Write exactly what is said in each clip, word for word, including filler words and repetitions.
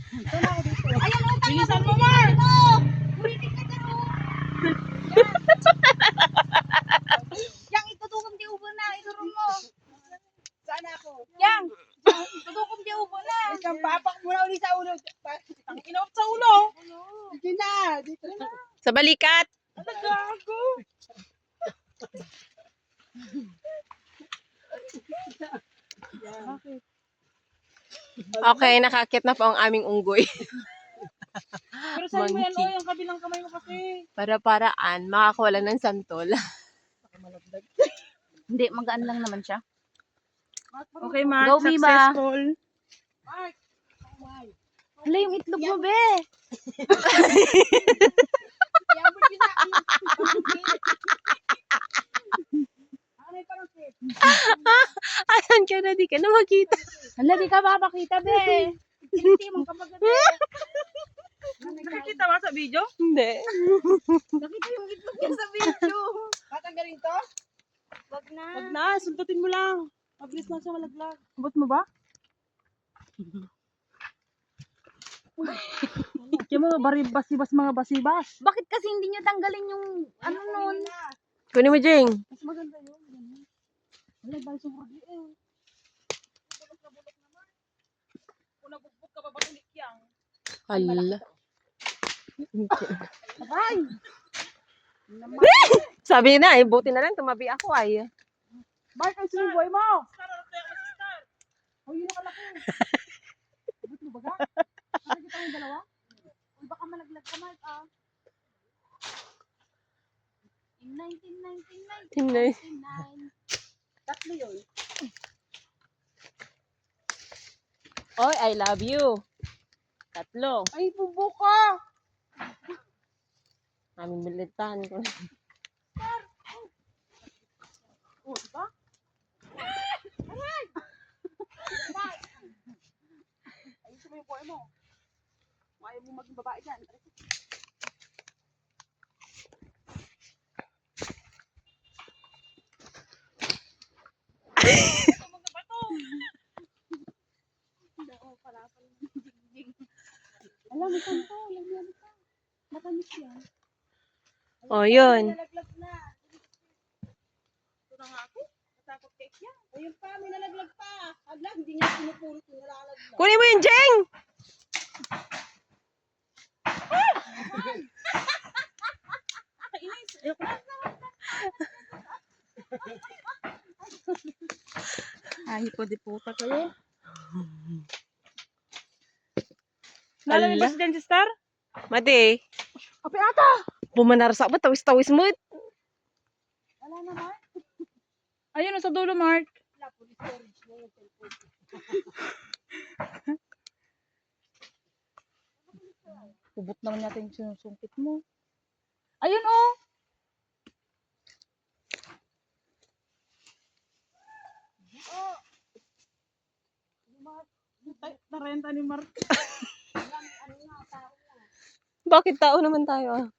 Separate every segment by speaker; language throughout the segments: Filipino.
Speaker 1: Ito na ako dito.
Speaker 2: Ayan, utang na.
Speaker 3: Bilisan mo, Mar!
Speaker 2: Buritin ka dyan, oh. Yang, itutukom di ubo na. Iturong mo.
Speaker 1: Saan ako?
Speaker 2: Yang, itutukom di ubo na.
Speaker 1: Isang papak muna ulit sa ulo.
Speaker 3: Ang inawat sa ulo.
Speaker 1: Dito na. Dito na.
Speaker 4: Sa balikat.
Speaker 3: Ano gago?
Speaker 1: Bakit?
Speaker 4: Okay, nakakit na po ang aming unggoy.
Speaker 3: Pero saan mo yan,
Speaker 4: Monkey.
Speaker 3: oh, yung kabilang kamay mo kasi.
Speaker 4: Para-paraan, makakawala ng santol.
Speaker 2: Hindi, magaan lang naman siya.
Speaker 3: Okay, Mark.
Speaker 2: Go, Biba.
Speaker 3: Successful.
Speaker 2: Hala, yung itlog mo, be.
Speaker 4: Asan ka na? Di ka na makita.
Speaker 2: Hala, di ka mapakita, be. Hindi mong kapag
Speaker 3: Nakikita ba sa video?
Speaker 4: Hindi.
Speaker 2: nakita yung itlog niya sa video.
Speaker 1: Tatanggalin to?
Speaker 2: Wag na.
Speaker 3: Wag na, sundutin mo lang. Mabilis lang siya malaglag.
Speaker 2: Abot mo ba?
Speaker 3: Kaya mga baribas-ibas, mga basibas.
Speaker 2: Bakit kasi hindi niyo tanggalin yung ano nun?
Speaker 4: Kunin mo, Jing.
Speaker 3: Mas maganda yun. Ganun. Wala, bali sa huragi eh. Bulok na bulok naman. Kung nabugbog ka, babatulik yan.
Speaker 4: Hala.
Speaker 3: Ay!
Speaker 4: Sabi na, eh, buti na lang tumabi ako ay.
Speaker 3: Mark, ang sinuboy mo! Oh, yun ang kalaki. Abot mo baga? Nakikita mo yung dalawa? Uy, baka malaglag ka, Mark, ah.
Speaker 2: In nineteen ninety-nine.
Speaker 4: Tinay.
Speaker 1: Tatlo yun.
Speaker 4: Oy, I love you. Tatlo.
Speaker 3: Ay, bubo ka!
Speaker 4: Aming bilitan ko.
Speaker 3: Oh, diba? Ayusin mo yung buhay mo. Kung ayaw mo maging babae dyan. Alam mo, santo. Alam mo, ano ka. Matamis yan.
Speaker 4: Oh, yun.
Speaker 1: Nalaglag na.
Speaker 3: Ito na nga ako. Natakot cake yan.
Speaker 1: Ayun pa, may nalaglag pa. Aglag, hindi niya pinupulot yung nalalaglag.
Speaker 4: Kunin mo yun, Jing!
Speaker 3: Kainis. Ayoko na. Ay, pwede puta kayo. Nalala
Speaker 4: Ala.
Speaker 3: ba si Jen Star?
Speaker 4: Mati,
Speaker 3: Kape ata!
Speaker 4: pumanarsa ba? Tawis-tawis mo.
Speaker 1: Wala na, Mark.
Speaker 3: Ayun, sa dulo, Mark.
Speaker 1: Wala po, storage na yung cellphone.
Speaker 3: Ubot naman natin yung sinusungkit mo. Ayun, oh! Ay, narenta ni Mark.
Speaker 4: Bakit tao naman tayo ah?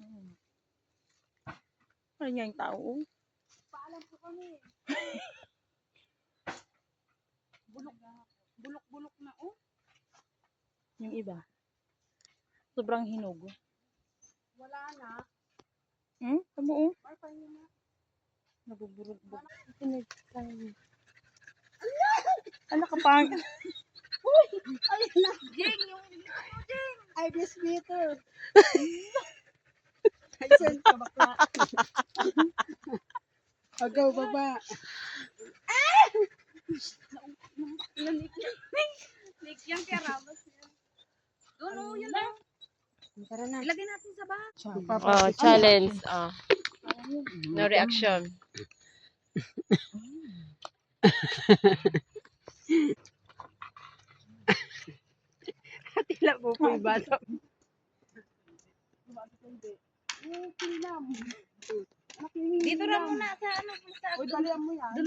Speaker 3: Ano niya yung tao?
Speaker 1: Paalam po kami.
Speaker 3: Bulok. Bulok-bulok na, oh. Yung iba. Sobrang hinog.
Speaker 1: Wala na.
Speaker 3: Hmm? Tama, oh.
Speaker 1: Mark, paano na?
Speaker 3: Nabuburog-bug. Ano ka pang?
Speaker 1: Ayun na.
Speaker 2: Jing, yung
Speaker 1: I miss Peter. Ay, send ka bakla. Agaw, baba.
Speaker 2: Nick yung karabas yan. Doon, oh, yun lang.
Speaker 1: Tara na.
Speaker 2: Ilagay natin sa bag.
Speaker 4: Oh, challenge. Oh. No reaction. Tila po po yung bata.
Speaker 1: Eh, kilam.
Speaker 2: Dito na muna sa ano. Sa
Speaker 1: Uy, dalihan mo yan.